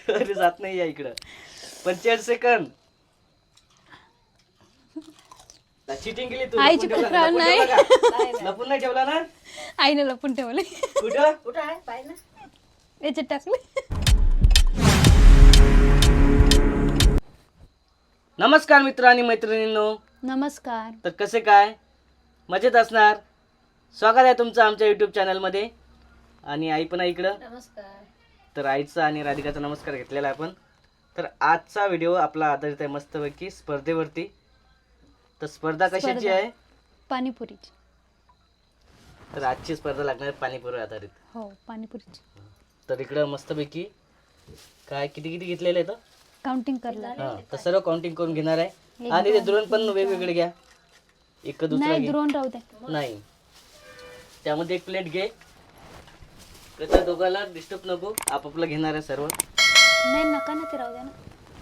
अरे जात नाही या इकडं 45 सेकंद. चिटिंग केली तू. आईची लपून तक्रार ठेवला नाही. का? लपून नाही ठेवला ना? आईने लपून ठेवले. कुठं कुठं आहे पाय ना. याच्यात टाकले. नमस्कार मित्र आणि मैत्रिणींनो. नमस्कार. तर कसे काय, मजेत असणार. स्वागत आहे तुमचं आमच्या यूट्यूब चॅनलमध्ये. आणि आई पण आहे इकडं. नमस्कार. तर आईचा आणि राधिकाचा नमस्कार घेतलेला आहे आपण. तर आजचा व्हिडिओ आपला आधारित आहे मस्तपैकी स्पर्धेवरती. तर स्पर्धा कशाची आहे? पाणीपुरीची. तर आजची स्पर्धा लागणार आहे पाणीपुरी आधारित. हो, पाणीपुरीची. तर इकडं मस्तपैकी काय किती किती घेतलेलं आहे तर काउंटिंग करला. हां, तर सर्व काउंटिंग करून घेणार आहे. आणि ते द्रोण पण वेगवेगळे घ्या. एक दुसरा नाही, घे. द्रोण राहू दे. नाही, त्यामध्ये एक प्लेट घे. कसं दोघाला डिस्टर्ब नको, आपापला घेणार आहे सर्व. नाही, नका ना, ते राहू दे ना.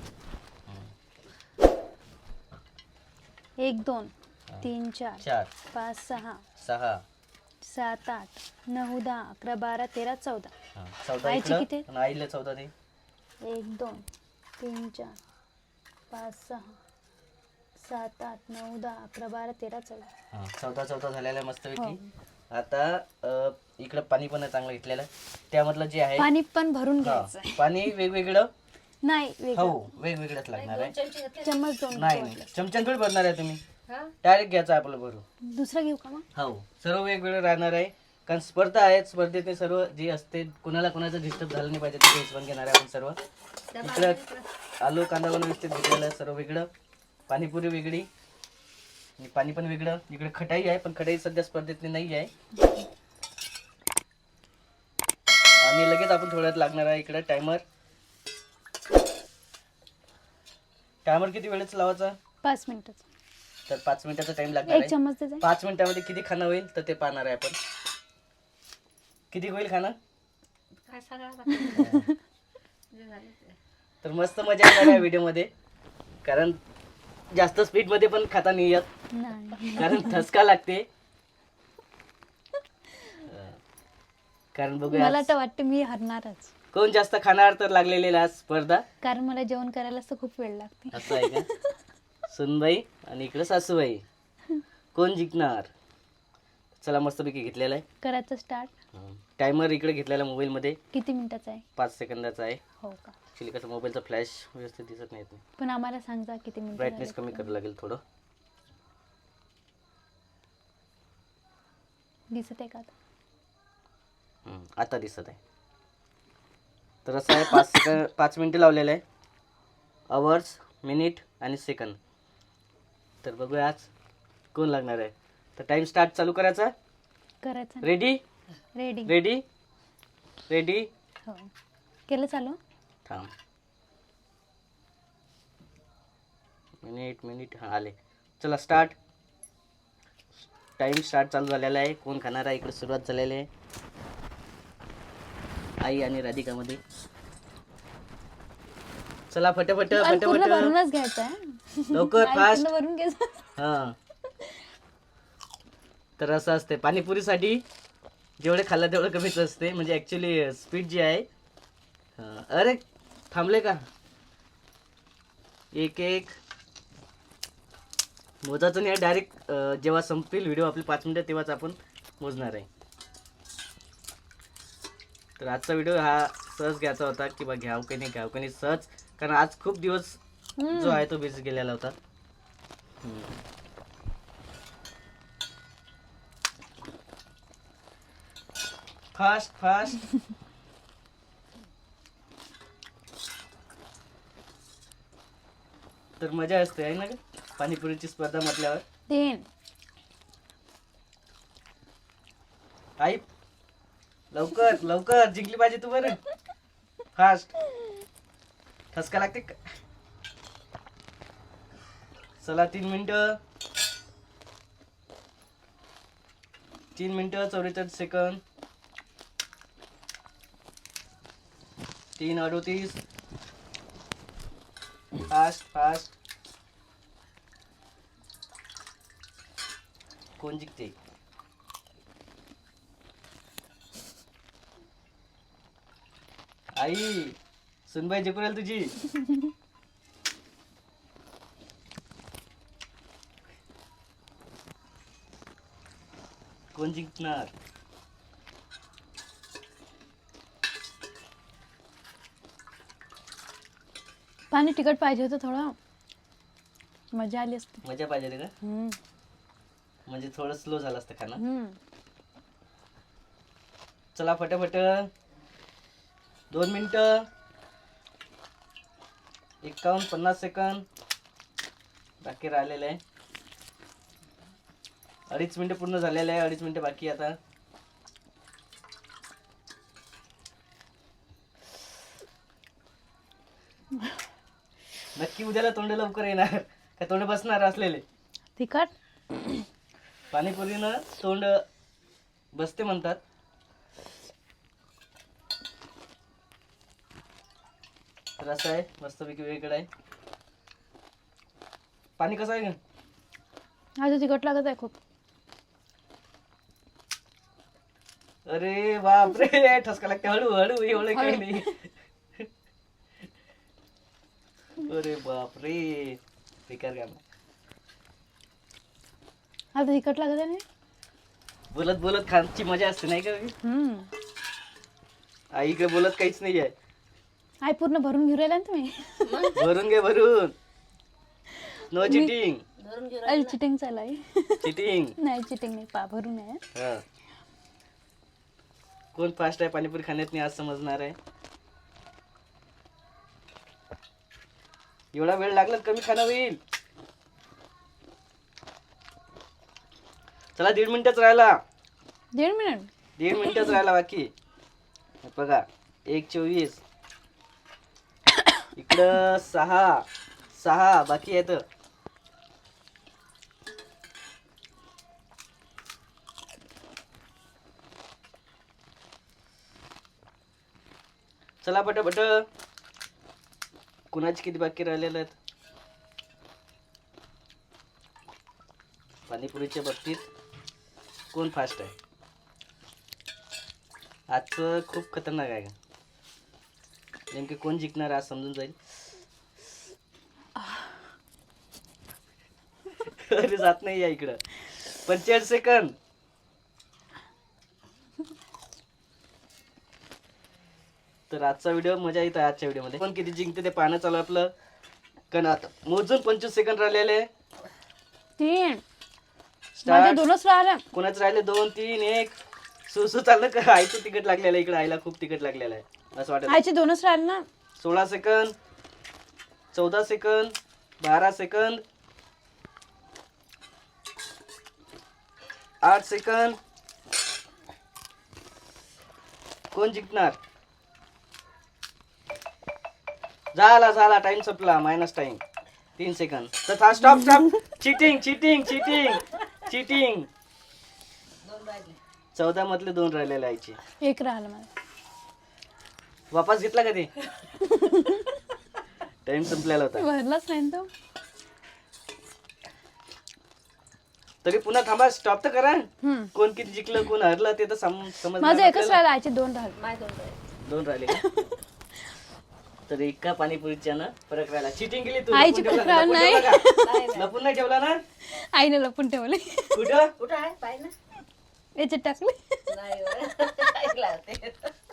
1 2 3 4 4 5 6 6 7 8 9 10 11 12 13 14. 14 आईची इकडं किती? आणि आईला 14 दे. 1 2 3 4 5 6 7 8 9 10 11 12 13 14. 14 झालेला आहे मस्तपैकी. आता इकडं पाणी पण आहे चांगलं घेतलेलं आहे. त्यामधलं जे आहे पाणी पण भरून हां, घ्यायचं. पाणी वेगवेगळं. नाही, वेगळं. हो, वेगवेगळंच लागणार आहे. चमचे घेतले. चम्मच दोन नाही, चमच्यान थोडी भरणार आहे तुम्ही. हा डायरेक्ट घ्यायचं आहे आपलं भरून. दुसरा घेऊ का मग? हो, सर्व वेगवेगळं राहणार आहे. कारण स्पर्धा आहे. स्पर्धेत ते सर्व जे असते कोणाला कोणाचं डिस्टर्ब झालं नाही पाहिजे ते हिशोबाने घेणार आहे आपण सर्व. इकडं आलू कांदा पण व्यवस्थित घेतलेलं आहे सर्व वेगळं. पाणीपुरी वेगळी आणि पाणी पण वेगळं. इकडे खटाई आहे पण खटाई सध्या स्पर्धेतली नाही आहे. आणि लगेच आपण थोड्यात लागणार आहे इकडे टायमर. टायमर किती वेळेच लावायचा? 5 मिनिटाचा. तर 5 मिनिटाचा टाइम लागणार 1 आहे. चम्मच दे जा. 5 मिनिटामध्ये किती खाणं होईल तर ते पाहणार आहे आपण. किती होईल खाणं काय सांगा. तर मस्त मजा येणार आहे व्हिडिओ मध्ये. कारण जास्त स्पीड मध्ये पण खाता नाही येत, नाही. कारण ठसका लागते. कारण बघूया मला तर वाटतं मी हरणारच. कोण जास्त खाणार तर लागलेली आहे आज स्पर्धा. कारण मला जेवण करायला असं खूप वेळ लागते. असं आहे का? सुनबाई आणि इकडे सासूबाई, कोण जिंकणार? चला मस्तपैकी घेतलेला आहे करायचं स्टार्ट. टायमर. इकडे घेतलेला मोबाईल मध्ये किती मिनिटाचा आहे? 5 सेकंदाचा आहे. हो का? ऍक्च्युली कसं मोबाईलचा फ्लॅश व्यवस्थित दिसत नाही. पण आम्हाला सांग जा किती मिनिट. ब्राईटनेस कमी करावं लागेल थोडं. दिसत आहे का आता? आता दिसत आहे. तर असं आहे 5 मिनिटं लावलेलं आहे. आवर्स, मिनिट आणि सेकंद. तर बघूया आज कोण लागणार आहे. तर टाइम स्टार्ट चालू करायचा. करायचं. Ready ready. Ready ready. हो, केलं चालू. थांब. मिनिट हां आले. चला स्टार्ट. टाइम स्टार्ट चालू झालेला आहे. कोण खाणार आहे इकडे सुरुवात झालेली आहे आई आणि राधिकामध्ये. चला फटाफट आणि पूर्ण फटाफट भरूनच घ्यायचं आहे. लवकर आई फास्ट. पूर्ण भरून घ्यायचं. हां, तर असं असते पाणीपुरीसाठी. जेवढे खाल्लं तेवढं कमीच असते. म्हणजे ॲक्च्युली स्पीड जी आहे. अरे थांबले का? एक एक मोजायचं नाही. डायरेक्ट जेव्हा संपतील व्हिडिओ आपले 5 मिनिटं तेव्हाच आपण मोजणार आहे. तर आजचा व्हिडिओ हा सहज घ्यायचा होता की बा घ्याव की नाही सहज. कारण आज खूप दिवस जो आहे तो बिझी गेलेला होता. Fast fast. तर मजा असते आहे ना ग पाणीपुरीची स्पर्धा म्हटल्यावर. 3 आई लवकर लवकर जिंकली पाहिजे तू. बरं फास्ट. ठसका लागते का? चला 3 मिनिटं 44 सेकंद. 3:38. Fast fast. कोण जिंकते? आई सुनबाई जिंकून राहील तुझी. कोण जिंकणार? पाणी तिखट पाहिजे होतं थोडं, मजा आली असती. मजा पाहिजे रे का? हम्म. म्हणजे थोडं स्लो झालं असतं खाणं. हम्म. चला फटाफट 2 मिनिटं 51-50 सेकंद बाकी राहिलेलं आहे. 2.5 मिनिटं पूर्ण झालेलं आहे. 2.5 मिनिटं बाकी आहे आता. नक्की उद्याला तोंड लवकर येणार का तोंड बसणार असलेले? तिखट. पाणीपुरीनं तोंड बसते म्हणतात. तर असं आहे, मस्तपैकी वेगळं आहे. पाणी कसं आहे? आज तिखट लागत आहे खूप. अरे बापरे, ठसका लागते. हळू हळू, एवढं काही नाही. अरे बापरे, बेकार काम. आज तिखट लागत आहे ना. बोलत बोलत खाण्याची मजा असते नाही का? हम्म. आई इकडे बोलत काहीच नाही आहे. आई पूर्ण भरून घेऊन राहिला ना तुम्ही. भरून घे भरून. No cheating. धरून घेऊ अरे चिटिंग चालू आहे. चिटिंग. नाही चिटिंग नाही, भरून आहे. हा. कोण फास्ट आहे पाणीपुरी खाण्यात नाही आज समजणार आहे. एवढा वेळ लागला कमी खाणं होईल. चला 1.5 मिनिटच राहिला. 1.5 मिनिट. 1.5 मिनिटच राहिला बाकी. बघा 1:24 इकडं 6 बाकी आहेत. चला पटापट. कुणाची किती बाकी राहिलेले आहेत पाणीपुरीच्या बाबतीत? कोण फास्ट आहे? आजचं खूप खतरनाक आहे का? नेमके कोण जिंकणार आज समजून जाईल. अरे जात नाही या इकडं. 45 सेकंद. तर आजचा व्हिडिओ मजा येत आहे. आजच्या व्हिडिओमध्ये पण किती जिंकते ते पाहणं चालू आपलं. कारण आता मोजून 25 सेकंद राहिलेले. 3. माझे स्टार्ट. 2च राहिले. कोणाच राहिले? 2, 3, 1. सुसू चाललं का? आईचं तिकट लागलेलं आहे इकडे. आईला खूप तिकट लागलेलं आहे असं वाटत. आईचे 2च राहिले ना. 16 सेकंद, 14 सेकंद, 12 सेकंद, 8 सेकंद. कोण जिंकणार? झाला टाइम संपला. मायनस टाइम 3 सेकंद. तर stop. Cheating cheating cheating cheating. 14 मधले 2 राहिलेले आईचे. 1 राहिलं मला. वापस घेतला का ते? टाइम संपलेला होता. भरलाच नाही ना तो. तरी पुन्हा थांबा. स्टॉप तर करा. हम्म. कोण किती जिंकलं कोण हरलं ते तर समज. माझं 1च राहिलं. आईचे 2 राहिले. माय दोन राहिले. 2 राहिले का? तर एका पाणीपुरीच्या ना फरक राहिला. चिटिंग केली तू. आईची लपून खूप ठेवला- लपून नाही. ठेवला का? नाही, नाही. लपून नाही ठेवला ना? आईने लपून ठेवले. कुठं? कुठं आहे पाय ना? याच्यात टाकले. नाही बरं. ऐकलं ते.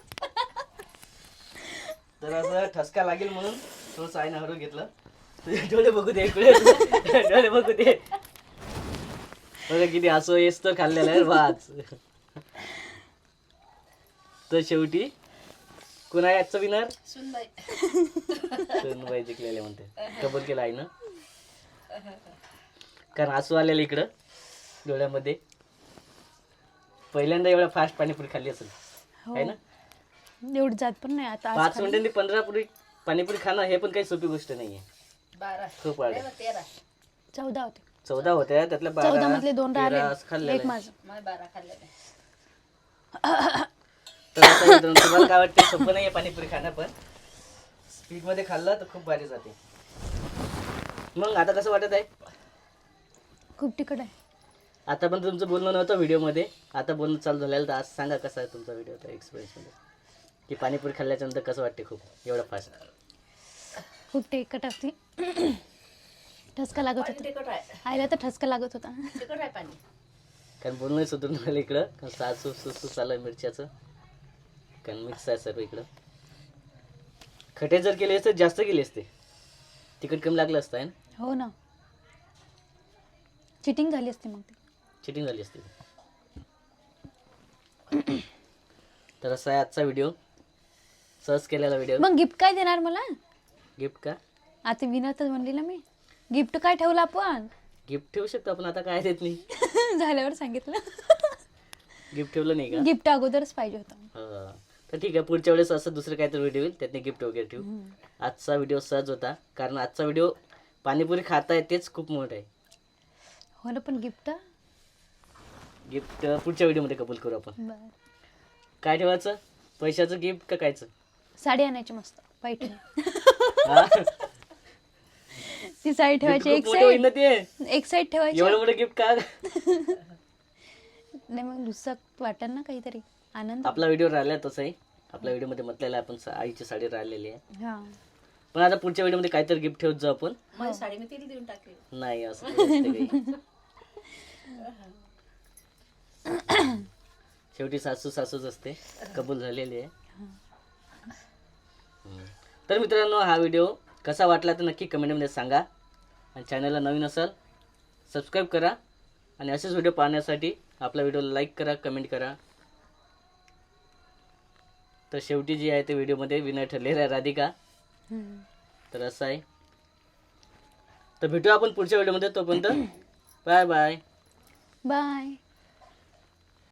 तर असं ठसका लागेल म्हणून थोडंसं आईनं हरवून घेतलं. तुझे डोळे बघू दे इकडे. डोळे बघू दे. बघा किती हसू येस तर खाल्लेलं आहे वाच. तर शेवटी कोण आहे आजचा विनर? सुनबाई. सोनबाई जिंकलेले म्हणते. कबूल केलं आहे ना? कारण हसू आलेलं इकडं डोळ्यामध्ये. पहिल्यांदा एवढा फास्ट पाणीपुरी खाल्ली असेल हो. आहे ना? एवढी जात पण नाही आता. आज 5 खाल्ली. मिनिटांनी 15 पुरी पाणीपुरी खाणं हे पण काही सोपी गोष्ट नाहीये. 12. खूप वाढ. नाही मग 13. 14 होते. 14 होत्या त्यातल्या 14 मधले 2 राहिले. 13 खाल्लेलं एक आहे. माझं. माय 12 खाल्लेले. तर आता मित्रांनो, तुम्हाला काय वाटतं? सोपं नाहीये पाणीपुरी खाणं पण स्पीड मध्ये खाल्लं तर खूप भारी जाते. मग आता कसं वाटत आहे? खूप तिखट आहे. आता पण तुमचं बोलणं नव्हतं व्हिडिओ मध्ये. आता बोलणं चालू झालेलं. तर आज सांगा कसा आहे तुमचा व्हिडिओ एक्सपिरियन्स मध्ये? की पाणीपुरी खाल्ल्याच्या नंतर कसं वाटते खूप एवढं फास्ट? खूप तेलकट असते. ठसका लागत पाणी होता. तिखट आहे आईला तर ठसका लागत होता. तिखट आहे पाणी. कारण बोलणं सुधरून राहिलं इकडं, कारण सासू सुसू चालू आहे मिरच्याचं, कारण मिक्स आहे सर्व इकडं. खटे जर केले असते जास्त केले असते, तिखट कमी लागलं असतं आहे ना. हो ना, चिटिंग झाली असते मग ती. चिटिंग झाली असते. तर असा आहे आजचा व्हिडिओ, सहज केलेला व्हिडिओ. मग गिफ्ट काय देणार मला? गिफ्ट का? आता विनर तर म्हणली ना मी. गिफ्ट काय ठेवलं आपण? गिफ्ट ठेवू शकतो आपण, आता काय देत नाही. झाल्यावर सांगितलं. गिफ्ट ठेवलं नाही का? गिफ्ट अगोदरच पाहिजे होतं. हा. तर ठीक आहे, पुढच्या वेळेस असं दुसरं काहीतरी व्हिडिओ येईल, त्यातने गिफ्ट वगैरे ठेवू. आजचा व्हिडिओ सहज होता, कारण आजचा व्हिडिओ पाणीपुरी खाताय तेच खूप मोठं आहे. हो ना, पण गिफ्ट गिफ्ट पुढच्या व्हिडिओमध्ये कबूल करू आपण. बरं. काय ठेवायचं? पैशाचं गिफ्ट का कायचं? साडी आणायची मस्त पैठणी. हा? ती साडी ठेवायची Gift एक खूप मोठं होईल साईड, ना ते. एक साईड ठेवायची. एवढं मोठं गिफ्ट का? नाही मग दुसरं वाटेल ना काहीतरी आनंद. आपला व्हिडिओ राहिला तसंही, आपल्या व्हिडिओमध्ये म्हटलेला आहे आपण आईची साडी राहिलेली आहे. हा. पण आता पुढच्या व्हिडिओमध्ये काहीतरी गिफ्ट ठेवत जाऊ आपण. माझी साडी मी तिला देऊन टाकली. नाही असं काही नसते काही. शेवटी सासू सासूच असते, कबूल झालेली आहे. तर मित्रांनो, हा व्हिडिओ कसा वाटला तर नक्की कमेंटमध्ये सांगा. आणि चॅनलला नवीन असाल सबस्क्राईब करा, आणि असेच व्हिडिओ पाहण्यासाठी आपला व्हिडिओला लाईक करा, कमेंट करा. तर शेवटी जी आहे ते व्हिडिओमध्ये विनर ठरलेला आहे राधिका. तर असं आहे. तर भेटूया आपण पुढच्या व्हिडिओमध्ये, तोपर्यंत बाय बाय. बाय.